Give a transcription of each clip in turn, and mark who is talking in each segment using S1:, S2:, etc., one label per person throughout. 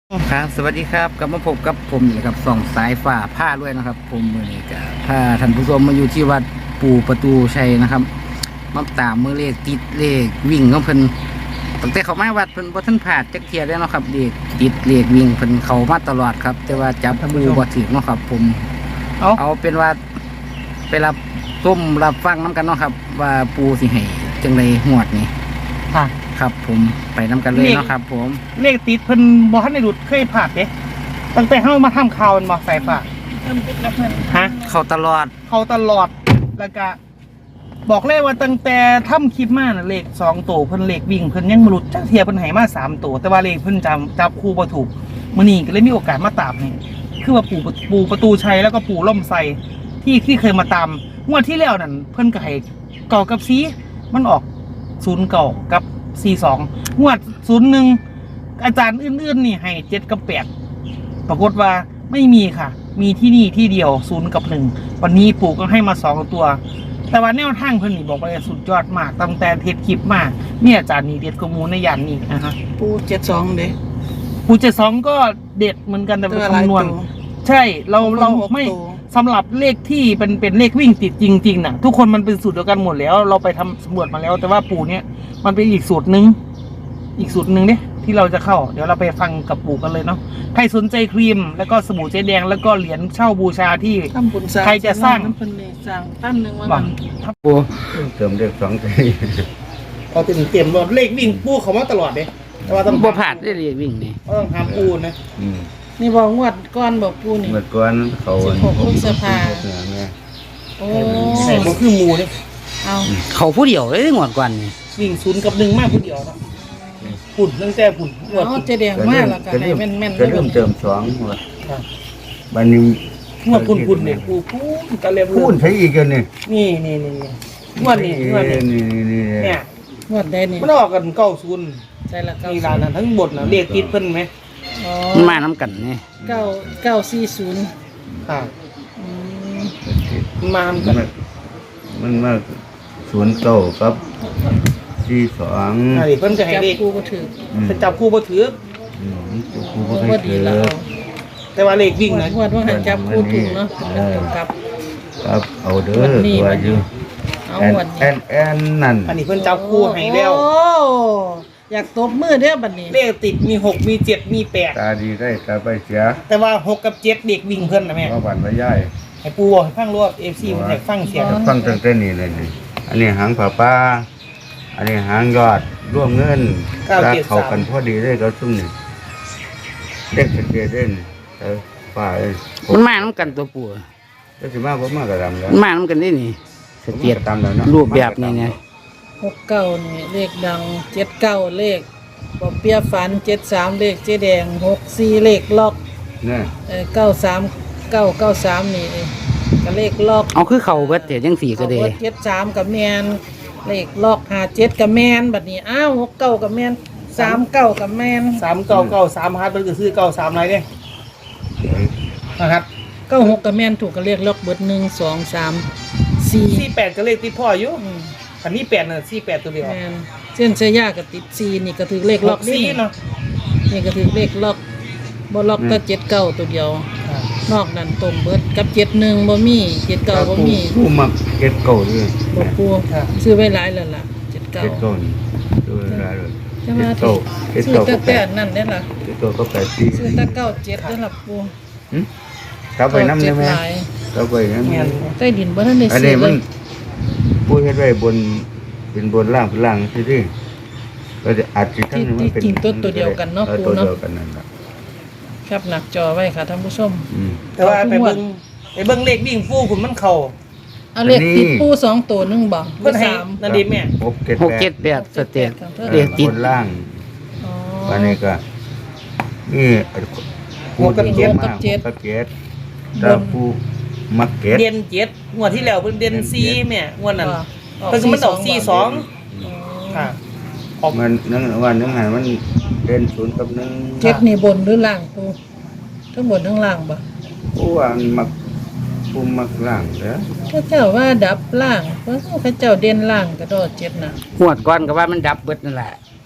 S1: ครับสวัสดีครับกลับมาพบกับผมนี่ครับส่องสายฝ่าผ้าด้วยนะครับ ผมมือนี้ก็พาท่านผู้ชมมาอยู่ที่วัดปู่ประตูชัยนะครับมาตามมือเลขติดเลขวิ่งของเพิ่นตั้งแต่เขามาวัดเพิ่นบ่ทันผ่านจักเที่ยแล้วเนาะครับเลขติดเลขวิ่งเพิ่นเข้ามาตลอดครับ แต่ว่าจับปูบ่ถึกเนาะครับ ผมเอาเป็นว่าไปรับส้มรับฟังน้กันเนาะครับ ว่าปูสิให้จังไดหวดนี่
S2: ค่ะ
S1: ครับผมไปน้กันเลยเนาะครับ ผม
S2: เลขติดเพิ่นบ่ทันได้หลุดเคยผ่านเด้ตั้งแต่เฮามาทำข่าวมันบ่สายฟ้าฮะ
S1: เข้าตลอด
S2: เขาตลอดแล้วก็บอกเลยว่าตั้งแต่ทำคลิปมาน่ะเลข2ตัวเพิ่นเลขวิ่งเพิ่นยังบ่หลุดจักเที่ยเพิ่นให้มา3ตัวแต่ว่าเลขเพิ่นจับคู่บ่ถูกมื้อนี้ก็เลยมีโอกาสมาตามนี่คือว่าปู่ประตูชัยแล้วก็ปู่ล่มไทรที่เคยมาตามงวดที่แล้วนั่นเพิ่นก็ให้เก่ากับซีมันออก0เก่ากับ42งวด01อาจารย์อื่นๆนี่ให้7กับ8ปรากฏว่าไม่มีค่ะ มีที่นี่ที่เดียว0กับ1วันนี้ปู่ก็ให้มา2ตัวแต่ว่าแนวทางเพิ่นนี่บอกว่าสุดยอดมากตั้งแต่เทศคลิปมาเนี่ยอาจารย์นี่เด็ดกว่าหมูในย่านนี้นะฮะ
S3: ปู72เด้
S2: ปู่72ก็เด็ดเหมือนกันแต่เป็นคำนวณใช่เราไม่สำหรับเลขที่เป็นเลขวิ่งติดจริงๆน่ะทุกคนมันเป็นสูตรเดียวกันหมดแล้วเราไปทำสำรวจมาแล้ว แต่ว่าปู่เนี่ยมันเป็นอีกสูตรหนึ่งเนี่ยที่เราจะเข้าเดี๋ยวเราไปฟังกับปู่กันเลยเนาะใครสนใจครีมแล้วก็สบู่เจ๊แดงแล้วก็เหรียญเช่าบูชาที่
S3: ทำบุญสร้าง
S2: ใครจะสร้าง
S3: น้ำเพิ่นนี่สร้างตั้นหนึงว่า
S2: บั
S3: มั
S2: ง
S3: น
S1: ปู
S4: เติมเลขสองใจ
S2: เอาเต็มว่าเลขวิ่งปู่เขามาตลอดเลยแต่ว่าต้อง
S1: บ่ผ่านได้เลขวิ่งนี่
S2: ต้องทำปู่นะ
S4: อืม
S3: นี่บ่งวดก่อนบ่ปูนี่
S4: เมื่อก่อนเขา
S3: 16พฤษภา
S4: แม่
S3: โอ้
S2: ใช่บ่คือหมูเนี่ย
S3: เอา
S1: เขาผู้เดียวเลยงวดก่อนนี่
S2: วิ่ง0กับ1มากผู้เดียวเนาะปุ่นตั้งแต่ปุ่นงวด
S3: เอา
S2: ปุ่น
S3: เจแดงมาแล้วก็ให้แม่นๆ
S4: ก็
S3: ได้
S4: เริ่ม
S3: บ่
S4: เติมสองว่ะ
S2: ครับ
S4: บัดนี้
S2: งวดปุ่นเนี่ยปู่ก็เรียบ
S4: พูดใช้อีกกันนี่
S2: นี่งวดนี้
S4: นี่
S2: เนี่ย
S3: งวดได้นี่
S2: มันออกกัน90
S3: ใช่ละ
S2: มีร้านนั้นทั้งบทนะเรียกติดเพิ่นไหม
S3: อ๋อ
S1: มันมาน้ำกันนี่
S3: 940
S2: ค่ะ
S3: อืม
S2: มาทำกัน
S4: มันมา09กับ42
S2: ใช่เพิ่นจะให้
S3: จับ
S2: เรียก
S3: ปูบ่ถือ
S2: จะจับคู่บ่ถือ
S4: กู
S3: โอ้
S4: บ่
S3: บ่
S4: ได้
S3: ดี
S4: เจ
S3: แล้
S4: อ
S3: ว
S2: แต่ว่าเลขวิ่งนะ
S3: งวดว่าหันจับปูถูกเนาะเป็นกำกับ
S4: ครับเอาเด้อตัวอยู่
S3: เอา
S4: แอน
S3: งวด
S4: แอ
S3: นี้
S4: นแอนนั่น
S2: อันนี้เพิ่นจับคู่ให้แล้ว
S3: โอ้อยากตบมือเด้อบัดนี้
S2: เลขติดมี6มี7มี8
S4: ตาดีได้ตาไปเสีย
S2: แต่ว่า6กับ7เด็กวิ่งเพิ่นนะแม่
S4: ว่าบันไว้ย่าย
S2: ให้ปูบอกให้ฟังรวด FC มันให้ฟังเสียง
S4: ฟังตั้งแต่นี้เลยนี่อันนี้หางผ้าป้าอันนี้หางยอดร่วมเงินรักเขากันพอดีได้ก็ซุ่มนี่เด็กเด็กเด่นป้าเอ้ย
S1: มันมาน้ำกันตัวปู
S4: ก็สิมาบ่มากระดำแล้ว
S1: มันมาน้ำกันได้นี่สเตียด
S4: ตามแล้วเนาะ
S1: รูปแบบนี้เนี่ย
S3: 69นี่เลขดัง79เลขบ่เปียฝัน73เลขเจ๊แดง64เลขล็อก
S4: เนี่ย
S3: 93993นี่ก็เลขล็อก
S1: เอาคือเขาเบิดแต่ยังสี่ก็เด
S3: เอาเบิด73กับแมนเลขล็อก57กับแมนบัดนี้อ้าว69กับแมน39กับแมน
S2: 3993ครับเพิ่นก็ซื้อ93ไรเด้นะครับ
S3: 96กับแมนถูกก็เลขล็อกเบิด1 2 3 4
S2: 48ก็เลขติดพ่ออยู่
S3: อืม
S2: อันนี้8น่ะ48ตัวเดียว
S3: แมนเส้นชายากับติด4นี่ก็ถือเลขล็อกนี่
S2: 64เนาะ
S3: นี่ก็ถือเลขล็อกบ่ล็อกแต่79ตัวเดียว นอกนั้นตรงเบิดกับ71บ่มี79บ่มี
S4: ผู้มักเก็ดเก่าด้วย
S3: บ่ปูซื้อไว้หลายแล้วล่ะ
S4: เก็ด
S3: 79
S4: เก่านี่ดูได้เลย
S3: ใช่ไหม
S4: เก็ด
S3: ซื้อ
S4: เก่า
S3: แต่
S4: ก็แป
S3: แต่
S4: ด
S3: นั่นได้อล่ะ
S4: เก็ดเก่าก็8
S3: ซื้อแต่97ได้อล่ะปู
S4: กลับไปน้ำได้ไหม
S3: หลาย
S4: กลับไปน้ำ
S2: แม่น
S3: ใต้ดินบ่ทันได้
S4: อัน
S3: ซื้
S4: นี้
S3: อเล
S4: มัน
S3: ย
S4: ผู้เฮ็ดไว้บนเป็นบนล่างเป็นล่างที่ที่ก็จะอาจจะทั้งมันเป็น
S3: จริงๆตัวเดียวกันเนาะ
S4: ตัว
S3: ปูเนาะ
S4: เดียวกันนั่นแหละ
S3: ครับหนักจอไว้ค่ะท่านผู้ชม
S4: อืม
S2: แต่ว่าไปเบิ่งเลขวิ่งฟูคุณมันเข้า
S3: เอาเลข
S4: อันนี้
S3: ติดปู2ตัวหนึงบ่หรื
S2: เพิ่น
S3: อ
S2: ให้
S3: 3
S2: นั่นดิแม่
S1: 6 7 8สเตียด
S4: เ
S1: เลขติด
S4: บนล่าง
S3: อ๋อ
S4: อันนี้ก็นี่
S2: หกกับเจ็ด
S4: มากหกกับเจ็ดแล้วผู้มักเก็ต
S2: เด่น7งวดที่แล้วเพิ่นเด่น4แม่งวดนั้น
S3: ว่า
S2: เพิ่นก็มันออก42
S3: อ๋อ
S2: ค่ะออก
S4: มันนั่งวันนึงหันมันเด่นศูนย์กับหนึ่ง
S3: เจ็ดนี่บนหรือล่างปูทั้งบนทั้งล่างบ่
S4: ผู้ว่ามักผู้มักล่างเด้อ
S3: พระเจ้าว่าดับล่างเพราะพระเจ้าเด่นล่างก็ดอเจ็ดน่ะ
S1: งวดก่อนก็ว่ามันดับเบิดนั่นแหละ
S3: อ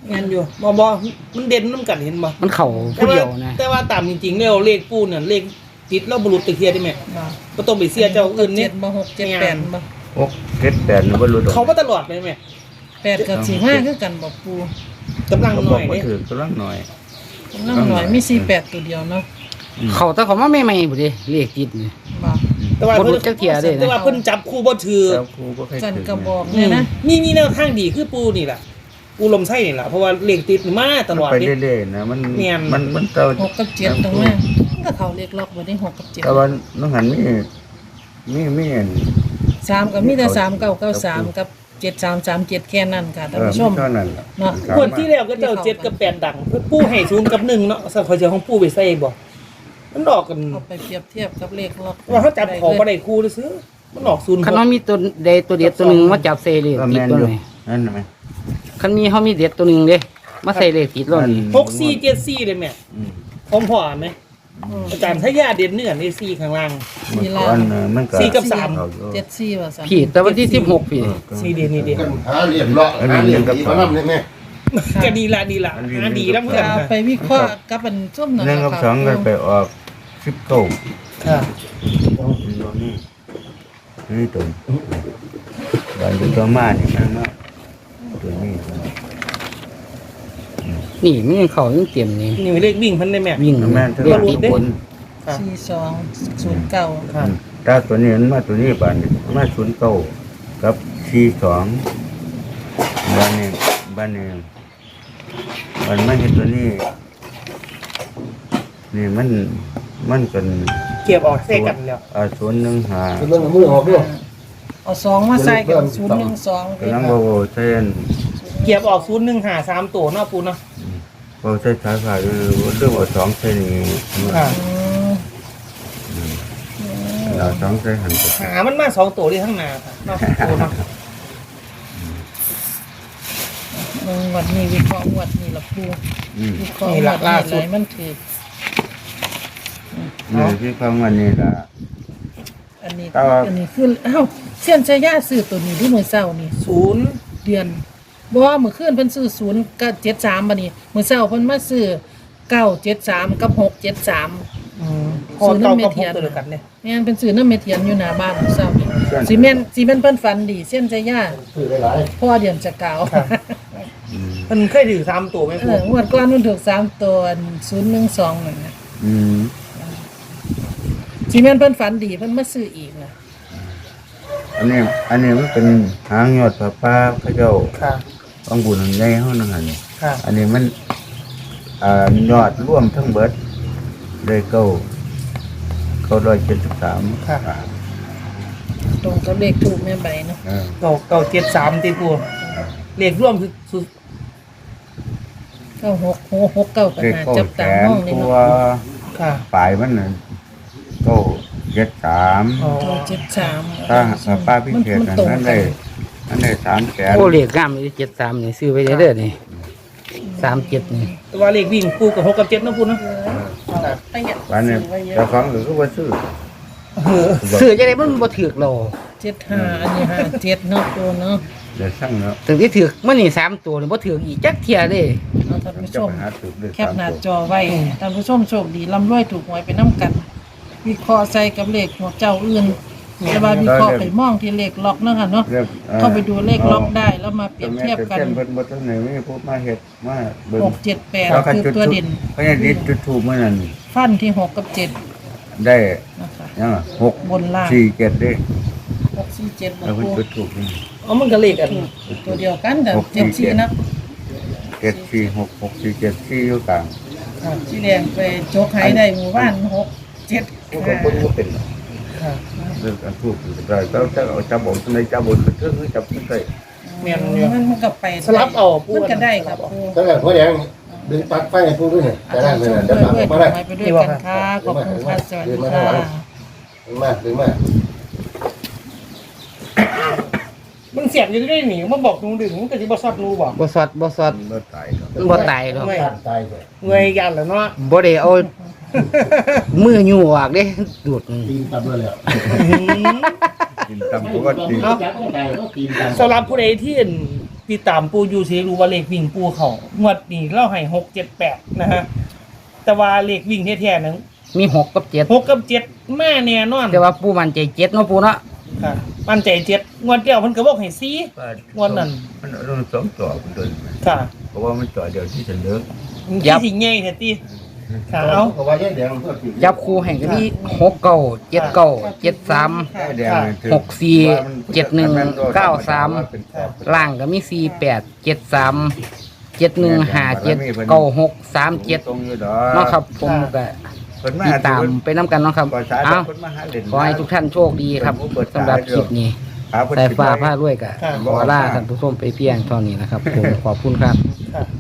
S2: แม่นอยู่บ่มันเด่นนำกันเห็นบ่
S1: มันเข่าผู้เดียวนะ
S2: แต่ว่าตามจริงๆแล้วเลขปูเนี่ยเลขติดเราบ่รู้ตึกเทียได้แม่
S3: บ่
S2: บ่ต้องไปเสียเจ้าอื่นเนี่ย
S3: 7บ่6 7 8บ่
S4: 6 7 8นี่บ่รู้ดอก
S2: เขามาตลอดเลยแม่
S3: 8กับ4 5คือกันบ่ปู
S2: กำลัง
S4: เขา
S2: ห
S4: บ
S2: น่
S4: อ
S2: อก ย
S4: ว่า
S2: เด้
S4: ถือกำลังหน่อย
S3: กำลังหน่อยมี48ตัวเดียวเนาะ
S1: เขาแต่เขามาใหม่ๆบ่ดิเลขติดนี่
S3: บ่
S2: แต่ว่า
S1: บ่
S2: เพิ่
S1: รู้
S2: น
S1: จักเที่ยเด้นะ
S2: แต่ว่าเพิ่นจับคู่บ่ถือ
S4: แล้วครูบ่เคย
S3: สั่น
S4: ถือก
S3: ระบอก
S2: อื
S3: เนี่ย
S2: ม
S3: นะ
S2: มีแนวทางดีคือปูนี่ล่ะปูลมไส้นี่ล่ะเพราะว่าเลขติดมาตลอด
S4: ไป
S2: นี่
S4: เรื่อยๆนะมัน
S2: แม่น
S4: มันเต่า
S3: 6กับ7ตรงนั้นก็เขาเลขล็อกบ่ได้6กับ7
S4: แต่ว่าน้องหันมีอัน
S3: 3ก็มีแต่3993กับ7337แค่นั้นค่ะท่านผู้ชม
S4: เท่านั้นล่ะ
S3: เนาะ
S2: งวดที่แล้วก็เจ้า7กับ8ดังเพิ่นปูให้0กับ1เนาะสักเขาจะของปูไปใส่บ่มันออกกัน
S3: เอาไปเปรียบเทียบกับเลขล็อก
S2: ว่าเขาจับของบ่ได้คู่ซื่อมันออก0
S1: คันว่ามีตัวใดตัวเด็ดตัวหนึงมาจับใส่เลข
S4: ก็
S1: ติด
S4: แม่น
S1: ตัว
S4: อยู่
S1: ไหน
S4: นั่นไหม
S1: คันมีเขามีเด็ดตัวหนึงเด้มาใส่เลขติดแล้วนี่
S2: 6474เลยแม่
S4: อืม
S2: พร้อมพอไหมอาจารย์ถ้ายาเด่นเนื้อใน4ข้างล่าง
S4: เมื่อก่อนมันก็
S2: สี่กับสาม
S4: เออยู่
S3: 74ว่าซั่น
S1: พี่แต่วันที่16พี่
S2: 4เด่นนี่เด่น
S5: กันหาเหรียญเลาะหาเหรียญดีมานั่ได้ไหม
S2: ก็ดีละหาดีแล้วเพื่อน
S3: เอาไปวิเคราะห์กับอันส้มนั่น
S4: หนึ่งกับ
S3: ค่ะ
S4: สองก็ไปออก19
S2: ค่ะ
S4: นี่ตัววันที่ตัวมานี่มันเนาะตัวนี้
S1: นี่มันยังเข่ายังเต็มนี่
S2: นี่เลขวิ่งเพันได้แม่
S1: วิ่ง
S4: แม่น
S1: เลขติดบน
S2: ค่ะ
S3: 4209
S2: ค่ะ
S4: ถ้าตัวนี้มันมาตัวนี้บานนี่มา09กับ42บ้านนี้มันมาเห็นตัวนี้นี่มันกัน
S2: เก็บออกเส้กันแล้ว
S4: 015
S5: เป็นเรื่องมือออกด้วย
S3: เอา2มาใส่กับ012
S4: กำลังบ่เส้น
S2: เก็บออก0153ตัวเนาะปูเนาะ
S4: บ่ใส่สายฟ้าเรื่องเอา2เส้นนี่
S2: ค่ะ
S4: เรา2เส้นหันไป
S2: หามันมา2ตัวที่ข้างหน้าค่ะเนาะปูเนาะ
S3: วันนี้วิเคราะห์งวดนี้ละปู
S4: อืม
S3: วิเคราะห์งวดนี้อะไรมันถือ
S4: นี่ที่ฟังวันนี้ล่ะ
S3: อันนี้
S4: แต่ว่า
S3: อันนี้คือเสี้ยนชายาซื้อตัวนี้ที่มื้อเช้านี่
S2: 0
S3: เดือนบ่ว่ามื้อคืนเพิ่นซื้อ0กับ73บัดนี้มื้อเช้าเพิ่นมาซื้อ973กับ673
S2: พอเก่ากับพกตัวเดียวกันเนี่ย
S3: แม่นเป็นซื้อนำเมเทียนอยู่หน้าบ้านมื้อเช้านี่สิแม่นเพิ่นฝันดีเสี้ยนชายา
S5: คือหลาย
S3: พ่อเดือนจะกล่าว
S2: มันเคยถือ3ตัวไหมปู
S3: งวดก่อนมันถูก3ตัว012นั่นน่ะ
S4: อืม
S3: สิแม่นเพิ่นฝันดีเพิ่นมาซื้ออีกน่ะ
S4: อันนี้มันเป็นหางยอดผ้าป่าพระเจ้า
S2: ค่ะ
S4: ของบุญใหญ่เฮานั่นหั่น
S2: ค่ะ
S4: อันนี้มันยอดร่วมทั้งเบิดได้973
S2: ค่ะ
S3: ตรงกับเลขถูกแม่ใบเนาะ
S2: เก่า73ตีปูเลขร่วมคือสุด
S3: 9669ปัญ
S4: ได้
S3: หา
S4: เก้า
S3: จับ
S4: แส
S3: ตาน มองนี่
S4: ตัว
S3: เนาะ
S2: ค่ะ
S4: ปลายมันน่ะ973
S2: อ๋อ
S3: 73
S4: ถ้าป้าพิเศษนั้นได้3แสน
S1: โอ้เลขงามเลย73นี่ซื้อไว้เด้อนี่37นี่
S2: แต่ว่าเลขวิ่งปูกับ6กับ7เนาะปูเนาะ
S3: ประหยัด
S4: วันนี้
S3: ซื้อไว้เย
S4: เจ้า
S3: อะ
S4: ของก็บ่ซื้อ
S1: ซื้อจังได๋มันบ่ถูกหรอก
S3: 75อันนี้57เนาะตัวเนาะ
S4: เดี๋ยวสั่งแล้ว
S1: ถึงที่ถูกมื้อนี้3ตัวนี่บ่ถูกอีกจักเที่ยเด้
S3: เอาท่านผู้ช
S4: จะ
S3: ม
S4: ไปหาถูกด้วย
S3: แคปหน้าจอไว้ท่านผู้ชมโชคดีร่ำรวยถูกหวยไปน้ำกัน วิเคราะห์ใส่กับเลขหัวเจ้าอื่นแต่ว่าวิเคราะห์ไปมองที่เลขล็อกเนาะค่ะเนาะเข้าไปดูเลขล็อกได้แล้วมาเปรียบเทียบกัน
S4: เพิ่นบ่ทันได้มีผู้มาเฮ็ดมาเบิ่ง
S3: 678คือตัวเด่น
S4: เพราะฉะนั้นจุดทูบมื้อนั้น
S3: ฟันที่6กับ7
S4: ได้
S3: นะคะ
S4: ยัง6
S3: บนล่าง
S4: 4 7เด้
S3: 647บ
S4: แล้วเพิ่น
S3: ปู
S4: จุดทูบนี่
S2: อ๋อมันก็เลขกัน
S3: ตัวเดียวกันแต่74นะ
S4: 7 4 6 6 4 7 4อยู่กลาง
S3: สีแดงไปโจกให้ได้หมู่บ้าน6 7
S4: ผู้ก็บ่เป็น
S2: ค่ะ
S4: เรื่องการทูบได้แต่ถ้าเอาจับบ่ในจับบ่คือจับได้
S2: แม่นอยู่
S3: มันก็ไป
S2: สลับเอาปู
S3: มันก็ได้ครับปู
S5: ๆตั้งแต่หัวแดงดึงปลั๊กไฟให้พูดด้วยเนี่ย
S3: อา
S5: จะ
S3: จา
S5: ได้
S3: รย์
S5: เลย
S3: ชม
S5: นะ
S3: ด้
S5: เดี๋
S3: วย
S5: ยว
S3: ด้วย
S5: มาได้
S3: ไปด้วยกันค่ะขอบคุณค่ะสวัสดีค่ะ
S5: ดึงมา
S2: มันเสียบอยู่ได้หนิมันบอกหนูดึงมันก็สิบ่ซอดหนูบอก
S1: บ่สอดบ่สอด
S4: บ่ตายครับ
S1: มันบ่ตายหรอก
S5: การตายเลย
S2: เงยยันแล้วเนาะ
S1: บ่ได้เอามืออยู่ออกเด้ดูดมัน
S5: ตีนตับเลยแล้ว
S4: กินตามปกติ
S5: จับไม่ได้ก็ตีนตับ
S2: สำหรับผู้ใดที่ติดตามปูอยู่สิรู้ว่าเลขวิ่งปูเขางวดนี้เราให้6-7-8นะฮะแต่ว่าเลขวิ่งแท้ๆนั้น
S1: มี6กับ7
S2: 6กับ7แม่แน่นอน
S1: แต่ว่าปูมันใจ7เนาะปูเนาะ
S2: ค่ะมั่นใจ7งวดเดียวเพิ่นก็บอกให้4 วันนั้น
S4: มันต้องสองต่อคนเดิน
S2: ค่ะ
S4: เพราะว่ามันต่อเดียวที่ฉันเลิก
S2: ที่สิใหญ่แท้ติค่ะเอา
S5: เขาว่าแยกแดงเพื่อผิด
S1: จับคู่ให้ก็มี6 9 7 9 7 3
S4: แดงมันถือ
S1: 6 4 7 1 9 3ล่างก็มี4 8 7 3 7 1 5 7 9 6 3 7
S4: ตรงอยู่ดอ
S1: เนาะครับผมก็ติดตามไปน้ำกันเนาะครับ
S4: ก่อนสาย
S1: เอ้า
S4: คนมาหาเล่น
S1: ขอให้ทุกท่านโชคดีครับสำหรับคลิปนี้สายฟ้าผ้าด้วยกับขอลาท่านผู้ชมไปเพียงเท่านี้นะครับผมขอบคุณครับ
S2: ค่ะ